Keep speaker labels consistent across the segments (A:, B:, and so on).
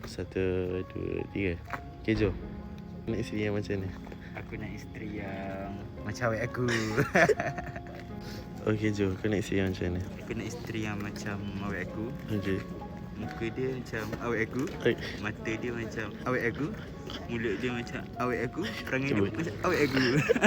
A: 1, 2, 3. Okay, jom. Nak isteri yang macam ni?
B: Aku nak isteri yang macam awet aku.
A: Okay, jom. Kau nak isteri yang macam ni?
B: Aku nak isteri yang macam awet aku.
A: Okay.
B: Muka dia macam awet aku. Mata dia macam awet aku. Mulut dia macam awet aku. Perangai dia macam awet aku.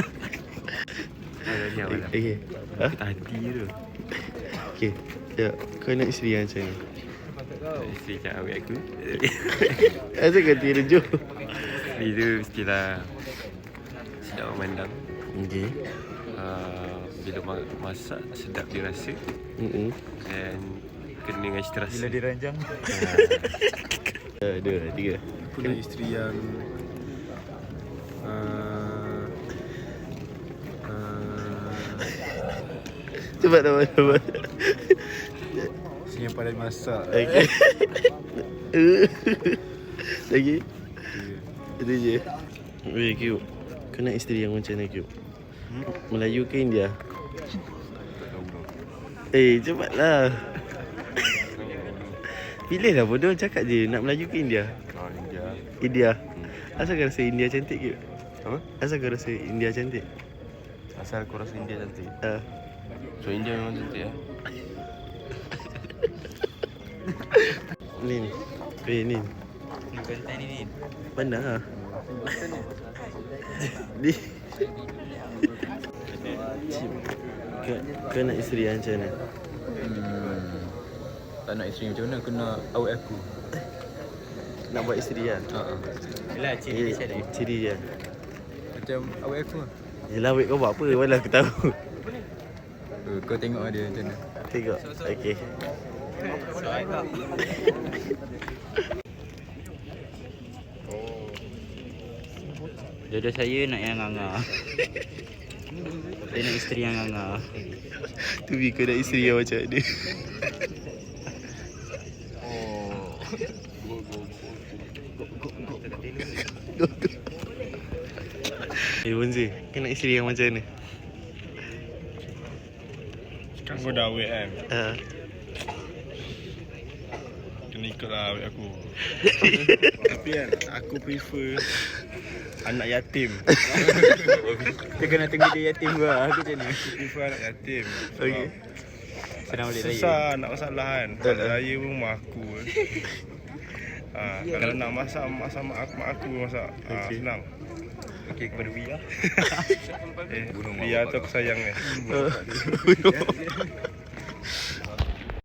A: Okay. Ha?
B: Hati tu.
A: Okay. Ya, kau nak isteri yang macam ni?
B: Isteri macam awet aku.
A: Asal kau tiru jom?
B: Isteri tu mestilah sedap memandang.
A: Okay.
B: Bila masak sedap dirasa. Dan kena dengan cita rasa.
C: Bila diranjang.
A: 1, 2, 3.
C: Aku nak isteri yang
A: Cepat cepat.
C: isteri yang pandai masak.
A: Okay. Lagi? Itu je. Weh, Cube. Kau nak isteri yang macam mana, Cube? Melayu ke India? Cepatlah. Pilihlah bodoh, cakap je nak Melayu ke India?
C: India.
A: India. Asal kau rasa India cantik, Cube?
C: Apa?
A: Asal kau rasa India cantik?
C: Asal aku rasa India cantik.
A: So
C: India memang cantik
A: Nin. Nin.
B: Konten ni.
A: Mana lah? Ni. Kau nak isteri yang macam mana?
C: Tak nak isteri macam mana, aku nak awet aku.
A: Nak buat isteri kan?
B: Yelah, ciri dia macam mana?
A: Ciri dia.
C: Macam awet aku lah.
A: Yelah, wait, kau buat apa? Mana aku tahu.
C: Kau tengok dia macam mana.
A: Tengok. Okay.
B: Jodoh saya nak yang nganga. Saya nak isteri yang nganga.
A: Tu bi kau nak isteri yang macam ni. Bonzi, kau nak isteri yang macam ni?
C: Kan kau dah awet kan. Kena ikutlah awet aku. Tapi kan aku prefer anak yatim.
B: Kita kena tunggu dia yatim gua. Aku macam ni.
C: Aku prefer anak yatim.
A: Okay.
B: Senang balik raya.
C: Susah nak masalah kan. Balik raya pun rumah aku. Kalau nak masak mak aku masak. Senang.
B: Okey, kepada Bia.
C: Bia tu aku sayang ni.